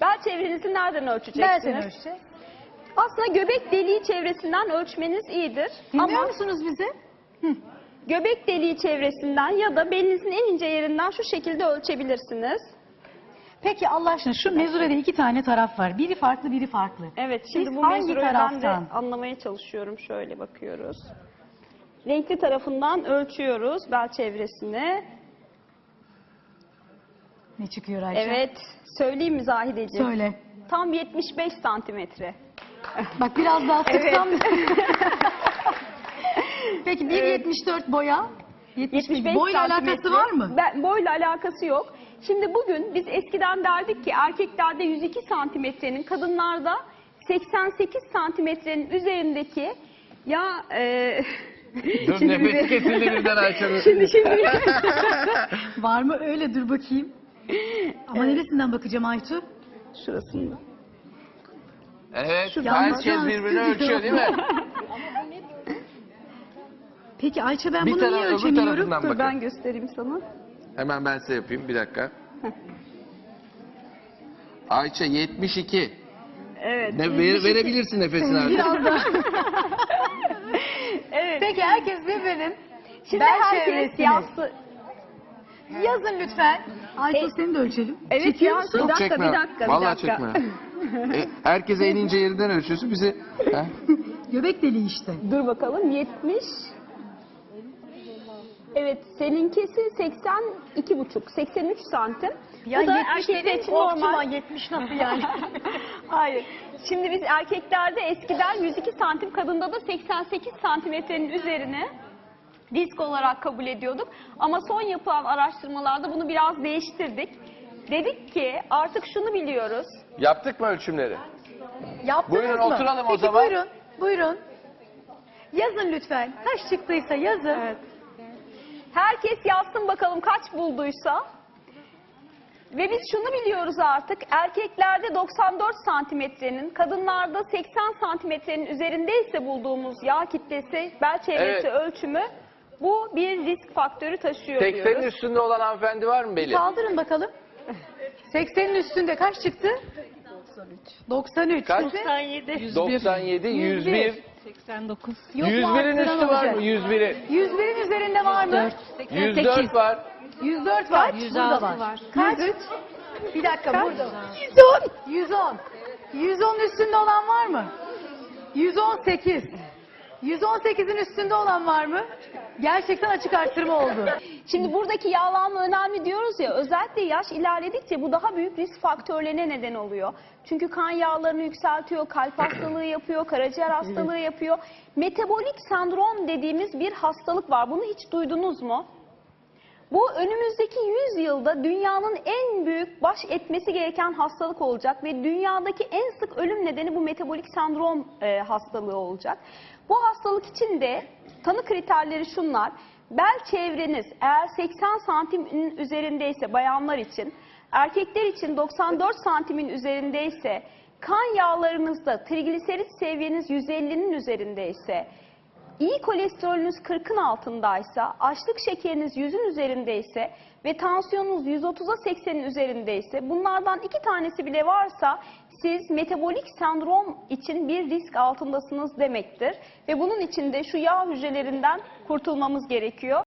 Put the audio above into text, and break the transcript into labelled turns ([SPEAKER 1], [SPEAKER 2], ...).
[SPEAKER 1] Bel çevrenizi nereden ölçeceksiniz?
[SPEAKER 2] Nereden ölçeceğiz?
[SPEAKER 1] Aslında göbek deliği çevresinden ölçmeniz iyidir.
[SPEAKER 2] Dinliyor
[SPEAKER 1] Ama
[SPEAKER 2] musunuz bizi?
[SPEAKER 1] göbek deliği çevresinden ya da belinizin en ince yerinden şu şekilde ölçebilirsiniz.
[SPEAKER 2] Peki Allah aşkına şu mezurede 2 tane taraf var. Biri farklı, biri farklı.
[SPEAKER 1] Evet, şimdi
[SPEAKER 2] Biz
[SPEAKER 1] bu
[SPEAKER 2] hangi
[SPEAKER 1] mezurayı ben de
[SPEAKER 2] taraftan?
[SPEAKER 1] anlamaya çalışıyorum. Şöyle bakıyoruz. Renkli tarafından ölçüyoruz bel çevresini.
[SPEAKER 2] Ne çıkıyor Ayça?
[SPEAKER 1] Evet, söyleyeyim mi Zahideciğim?
[SPEAKER 2] Söyle.
[SPEAKER 1] Tam 75 santimetre.
[SPEAKER 2] Bak biraz daha sıksam. Peki 1.74 boya.
[SPEAKER 1] 75
[SPEAKER 2] boyla
[SPEAKER 1] santimetre.
[SPEAKER 2] alakası var mı?
[SPEAKER 1] Boyla alakası yok. Şimdi bugün biz eskiden derdik ki erkeklerde 102 santimetrenin, kadınlarda 88 santimetrenin üzerindeki ya
[SPEAKER 3] Dur nefesi kesildi birden Ayça'nın.
[SPEAKER 1] şimdi
[SPEAKER 2] Var mı öyle, dur bakayım. Ama neresinden bakacağım Aytu?
[SPEAKER 1] şurasında.
[SPEAKER 3] Evet,
[SPEAKER 1] Şuradan
[SPEAKER 3] herkes
[SPEAKER 2] bakacağız.
[SPEAKER 3] birbirini ölçüyor değil mi?
[SPEAKER 2] Peki Ayça ben
[SPEAKER 3] Bir
[SPEAKER 2] bunu
[SPEAKER 3] taraf-
[SPEAKER 2] niye
[SPEAKER 3] öbür
[SPEAKER 2] ölçemiyorum?
[SPEAKER 3] tarafından
[SPEAKER 1] Dur
[SPEAKER 3] bakın.
[SPEAKER 1] ben göstereyim sana.
[SPEAKER 3] Hemen ben size yapayım, bir dakika. Ayça 72.
[SPEAKER 1] Evet.
[SPEAKER 3] Verebilirsin nefesini artık.
[SPEAKER 2] Biraz daha.
[SPEAKER 1] Evet.
[SPEAKER 2] Peki herkes birbirinin
[SPEAKER 1] Şimdi
[SPEAKER 2] bel
[SPEAKER 1] herkes
[SPEAKER 2] çevresini yazın lütfen. Aytu seni de ölçelim.
[SPEAKER 1] Evet
[SPEAKER 2] Çekiyor
[SPEAKER 1] ya,
[SPEAKER 2] musun?
[SPEAKER 1] bir
[SPEAKER 3] Yok
[SPEAKER 1] dakika,
[SPEAKER 3] çekme.
[SPEAKER 1] bir dakika, bir
[SPEAKER 3] Vallahi
[SPEAKER 1] dakika.
[SPEAKER 3] çekme. Herkese en ince yerinden ölçüyorsun, bizi... He?
[SPEAKER 2] Göbek deliği işte.
[SPEAKER 1] Dur bakalım 70. Evet seninkisi 82,5 83 santim. Bu da erkekler için normal.
[SPEAKER 2] 70 nasıl yani?
[SPEAKER 1] Hayır. Şimdi biz erkeklerde eskiden 102 santim, kadında da 88 santimetrenin üzerine risk olarak kabul ediyorduk. Ama son yapılan araştırmalarda bunu biraz değiştirdik. Dedik ki artık şunu biliyoruz.
[SPEAKER 3] Yaptık mı ölçümleri?
[SPEAKER 2] Yaptınız
[SPEAKER 3] Buyurun,
[SPEAKER 2] mı?
[SPEAKER 3] oturalım o
[SPEAKER 2] Peki,
[SPEAKER 3] zaman.
[SPEAKER 2] buyurun, buyurun. Yazın lütfen. Kaç çıktıysa yazın.
[SPEAKER 1] Evet. Herkes yazsın bakalım kaç bulduysa. Ve biz şunu biliyoruz artık. Erkeklerde 94 santimetrenin, kadınlarda 80 santimetrenin üzerindeyse bulduğumuz yağ kitlesi, bel çevresi
[SPEAKER 3] Evet.
[SPEAKER 1] ölçümü bu bir risk faktörü taşıyor
[SPEAKER 3] 80'in
[SPEAKER 1] diyoruz.
[SPEAKER 3] üstünde olan hanımefendi var mı Beli?
[SPEAKER 2] Kaldırın bakalım. 80'in üstünde kaç çıktı? 93.
[SPEAKER 3] Kaç?
[SPEAKER 2] 97.
[SPEAKER 3] 97, 101.
[SPEAKER 2] 89.
[SPEAKER 3] 101'in üstü var mı? 101'i.
[SPEAKER 2] 101'in üzerinde var mı?
[SPEAKER 3] 104 var.
[SPEAKER 2] 104 var. 106 var. Kaç? Bir dakika burada. 110. 110 üstünde olan var mı? 118. 118'in üstünde olan var mı? Gerçekten açık arttırma oldu.
[SPEAKER 1] Şimdi buradaki yağlanma önemli diyoruz ya, özellikle yaş ilerledikçe bu daha büyük risk faktörlerine neden oluyor. Çünkü kan yağlarını yükseltiyor, kalp hastalığı yapıyor, karaciğer hastalığı yapıyor. Metabolik sendrom dediğimiz bir hastalık var. Bunu hiç duydunuz mu? Bu önümüzdeki 100 yılda dünyanın en büyük baş etmesi gereken hastalık olacak ve dünyadaki en sık ölüm nedeni bu metabolik sendrom hastalığı olacak. Bu hastalık için de tanı kriterleri şunlar: bel çevreniz eğer 80 santimin üzerindeyse bayanlar için, erkekler için 94 santimin üzerindeyse, kan yağlarınızda trigliserit seviyeniz 150'nin üzerindeyse, İyi kolesterolünüz 40'ın altındaysa, açlık şekeriniz 100'ün üzerindeyse ve tansiyonunuz 130'a 80'in üzerindeyse, bunlardan 2 tanesi bile varsa siz metabolik sendrom için bir risk altındasınız demektir. Ve bunun için de şu yağ hücrelerinden kurtulmamız gerekiyor.